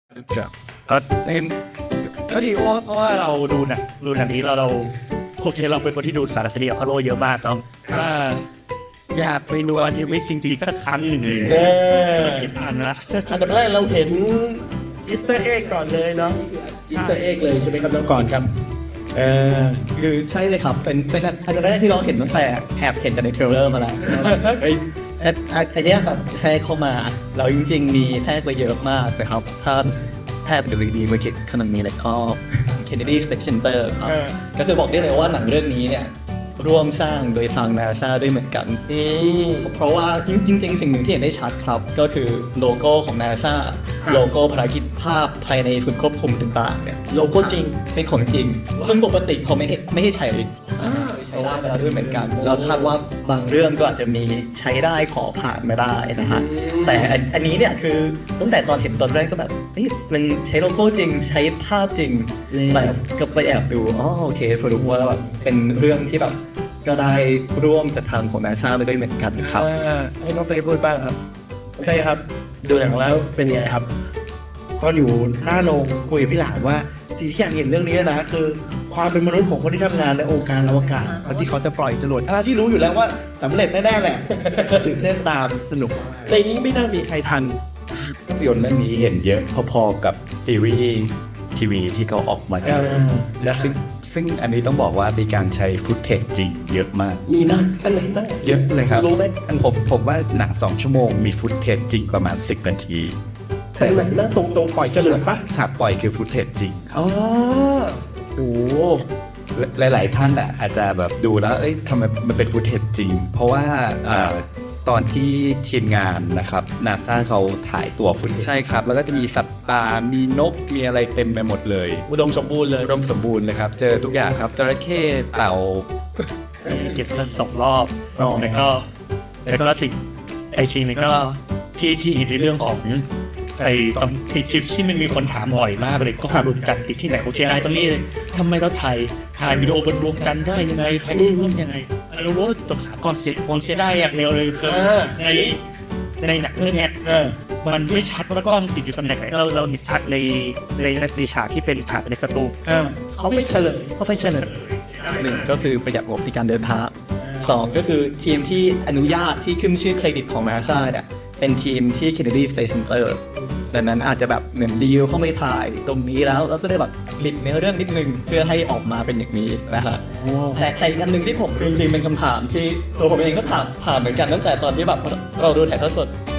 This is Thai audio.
ก็เห็นก็ดีเพราะว่าเราดูหนังนี้เราโอเคเราเป็นคนที่ดูสารคดีของพาโลเยอะมากต้องถ้าอยากไปดูอันที่ไม่จริงๆก็ครั้งหนึ่งเลยเห็นอันนะอันดับแรกเราเห็นอีสเตอร์เอ็กก่อนเลยเนาะอีสเตอร์เอ็กเลยใช่ไหมครับน้องก่อนครับคือใช่เลยครับเป็นอันแรกที่เราเห็นตั้งแต่แอบเห็นจากในเทรลเลอร์มาแล้วไอเนี้ยครับแทรกเข้ามาเราจริงๆมีแทรกไปเยอะมากนะครับถ้าแทรกดูดีๆมาคิดขนาดนี้เลยก็ Kennedy Space Center ครับก็คือบอกได้เลยว่าหนังเรื่องนี้เนี่ยร่วมสร้างโดยทาง NASA ด้วยเหมือนกันเพราะว่าจริงๆสิ่งหนึ่งที่เห็นได้ชัดครับก็คือโลโก้ของ NASA โลโก้ภารกิจภาพภายในศูนย์ควบคุมต่างๆเนี่ยโลโก้จริงเป็นของจริงซึ่งปกติเขาไม่ให้ใช้ใช้ได้ไปแล้วด้วยเหมือนกันเราคาดว่าบางเรื่องก็อาจจะมีใช้ได้ขอผ่านไม่ได้นะฮะแต่อันนี้เนี่ยคือตั้งแต่ตอนเห็นตอนแรกก็แบบมันใช้โลโก้จริงใช้ภาพจริงแต่ก็ไปแอบดูอ๋อโอเคสรุปว่าแบบเป็นเรื่องที่แบบก็ได้ร่วมจัดทำของ NASA ไปด้วยเหมือนกันครับให้น้องเต้พูดบ้างครับโอเคครับดูหนังแล้วเป็นไงครับก็อยู่หน้าโรงคุยกับพี่หลานว่าที่อยากเห็นเรื่องนี้นะคือความเป็นมนุษย์ของคนที่ทำงานในองค์การอวกาศคนที่เขาจะปล่อยจรวดที่รู้อยู่แล้วว่าสำเร็จแน่ๆแหละ ตื่นเต้นตามสนุกในนี้ไม่น่ามีใครทันภาพยนตร์เรื่องนี้เห็นเยอะพอๆกับซีรีส์ทีวีที่เขาออกมาและซึ่งอันนี้ต้องบอกว่ามีการใช้ฟุตเทจจริงเยอะมากมีนะอันไหนบ้างเยอะเลยครับรู้ไหมผมว่าหนัง2 ชั่วโมงมีฟุตเทจจริงประมาณ10 นาทีแต่ไหนนะตรงปล่อยจรวดปะฉากปล่อยคือฟุตเทจจริงครับอ๋อโอ้หลายๆท่านอาจจะแบบดูแล้วเอ้ยทำไมมันเป็นฟุตเทจจริง เพราะว่าตอนที่ทีมงานนะครับนาซาเขาถ่ายตัวฟุตใช่ครับ แล้วก็จะมีสัตว์ป่ามีนกมีอะไรเต็มไปหมดเลยอุดมสมบูรณ์เลยอุดมสมบูรณ์เลยครับ เจอทุกอย่างครับจระเข้เต่าเก็บสัก2 รอบแล้วก็สิ่งไอชีนี่ก็ที่ในเรื่องของไอตอนไอคลิปที่มันมีคนถามบ่อยมากเลยก็หาดูจันทร์ติดที่ไหนโอเคไอตรงนี้เลยทำไมเราถ่ายวิดีโอบนดวงจันทร์ได้ยังไงถ่ายรูปยังไงเรารู้ว่าตัวขาก่อนเสียได้อย่างเดียวเลยคือในหนังเรื่องนี้มันไม่ชัดว่ากล้องติดอยู่ตำแหน่งไหนเราเห็นชัดในฉากที่เป็นฉากในสตูเขาไม่เฉลยหนึ่งก็คือประหยัดงบในการเดินทางสองก็คือทีมที่อนุญาตที่ขึ้นชื่อเครดิตของ NASA เนี่ยเป็นทีมที่ Kennedy Space Center ดังนั้นอาจจะแบบเหมือนดีลเข้าไปถ่ายตรงนี้แล้วก็ได้แบบบิดเนื้อเรื่องนิดนึงเพื่อให้ออกมาเป็นอย่างนี้นะฮะแต่อีกอันหนึ่งที่ผมจริงๆเป็นคำถามที่ตัวผมเองก็ถามเหมือนกันตั้งแต่ตอนที่แบบเราดูถ่ายทอดสด